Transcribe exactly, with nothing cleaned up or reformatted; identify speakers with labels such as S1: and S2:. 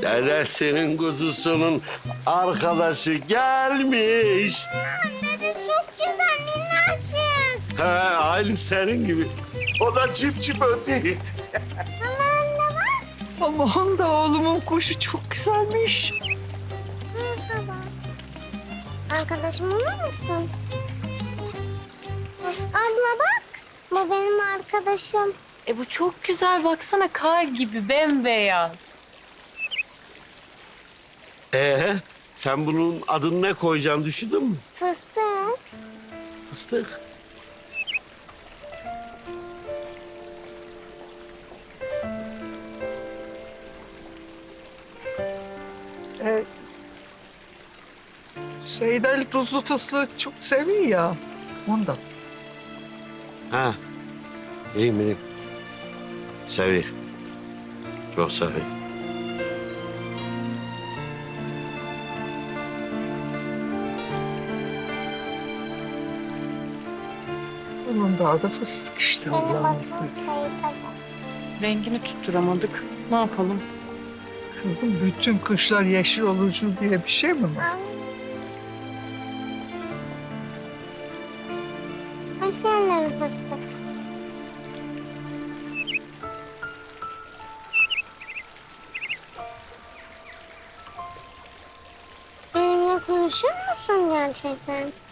S1: Dedesinin kuzusunun arkadaşı gelmiş.
S2: Dede çok güzel minnacık.
S1: He, aynı senin gibi. O da çip çip ötüyor.
S3: Aman da oğlumun kuşu çok güzelmiş.
S2: Merhaba. Arkadaşım olur musun? Abla bak. Bu benim arkadaşım.
S4: E bu çok güzel baksana, kar gibi bembeyaz.
S1: Ee, sen bunun adını ne koyacaksın düşündün mü?
S2: Fıstık.
S1: Fıstık.
S3: Ee, Seyit Ali tuzlu fıstığı çok seviyor ya. Ondan.
S1: Ha. İyiyim iyiyim. Seviyor. Çok seviyor.
S3: Bunun da adı fıstık işte.
S2: Benim
S3: Allah'ım.
S2: adım Seyit Ali.
S4: Rengini tutturamadık. Ne yapalım?
S3: Kızım bütün kışlar yeşil olucu diye bir şey mi var?
S2: Hoş geldin fıstık. Benimle konuşur musun gerçekten?